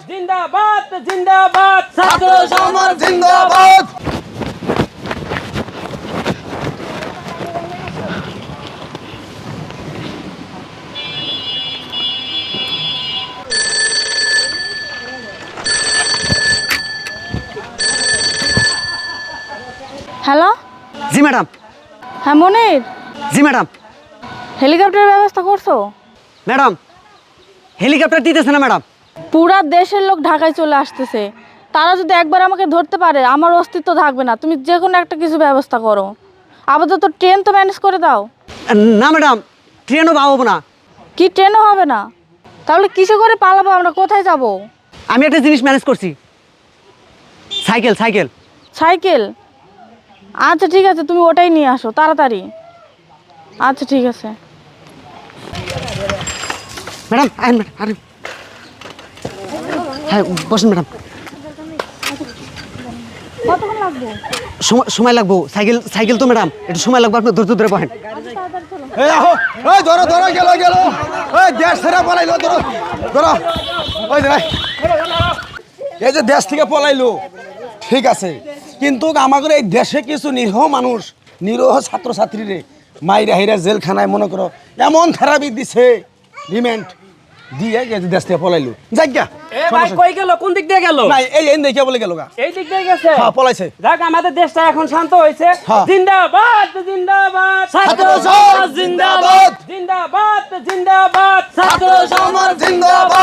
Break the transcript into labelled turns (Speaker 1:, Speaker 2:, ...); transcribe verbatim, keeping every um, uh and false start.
Speaker 1: জিন্দাবাদ জিন্দাবাদ
Speaker 2: ছাত্র সমাজ জিন্দাবাদ।
Speaker 3: হ্যালো,
Speaker 2: জি ম্যাডাম।
Speaker 3: হ্যাঁ মনির,
Speaker 2: জি ম্যাডাম।
Speaker 3: হেলিকপ্টারের ব্যবস্থা করছো?
Speaker 2: ম্যাডাম হেলিকপ্টার দিতেছে না ম্যাডাম।
Speaker 3: পুরা দেশের লোক ঢাকায় চলে আসতেছে, তারা যদি একবার আমাকে ধরতে পারে আমার অস্তিত্ব থাকবে না। তুমি যে কোনো একটা কিছু ব্যবস্থা করো, আপাতত ট্রেন তো ম্যানেজ করে দাও।
Speaker 2: না ম্যাডাম, ট্রেনও পাবো না।
Speaker 3: কি ট্রেনও হবে না? তাহলে কিসে করে পালাবো, আমরা কোথায় যাব?
Speaker 2: আমি একটা জিনিস ম্যানেজ করছি, সাইকেল সাইকেল
Speaker 3: সাইকেল? আচ্ছা ঠিক আছে, তুমি ওটাই নিয়ে আসো তাড়াতাড়ি। আচ্ছা ঠিক আছে।
Speaker 2: ম্যাডাম আইন ম্যাডাম, আরে হ্যাঁ বসেন ম্যাডাম।
Speaker 3: কতক্ষণ লাগবে?
Speaker 2: সময় সময় লাগবো, সাইকেল সাইকেল তো ম্যাডাম একটু সময় লাগবে, আপনি ধৈর্য ধরে বসেন।
Speaker 4: এই আহো, এই ধরো ধরো, গেল গেল, এই দেশ ছেড়ে পলাইলো, ধরো ধরো, ওই যে ভাই, এই যে দেশ থেকে পলাইলো ঠিক আছে, কিন্তু আমাদের এই দেশে কিছু নিরীহ মানুষ, নিরীহ ছাত্রছাত্রীরে মাইরা হাইরা জেলখানায় মনে করো এমন থেরাপি দিছে, রিমেন্ট দিয়ে এই যে দেশ থেকে পলাইলো। যাক গা,
Speaker 1: এ ভাই কই গেল, কোন দিক দিয়ে গেল?
Speaker 4: নাই এই এই দেখে বলে গেল গা,
Speaker 1: এই দিক দিয়ে গেছে।
Speaker 4: হ্যাঁ পলাইছে।
Speaker 1: যাক, আমাদের দেশটা এখন শান্ত হয়েছে।
Speaker 4: হ্যাঁ।
Speaker 1: জিন্দাবাদ জিন্দাবাদ
Speaker 2: ছাত্র সমাজ জিন্দাবাদ।
Speaker 1: জিন্দাবাদ জিন্দাবাদ
Speaker 2: ছাত্র সমাজ জিন্দাবাদ।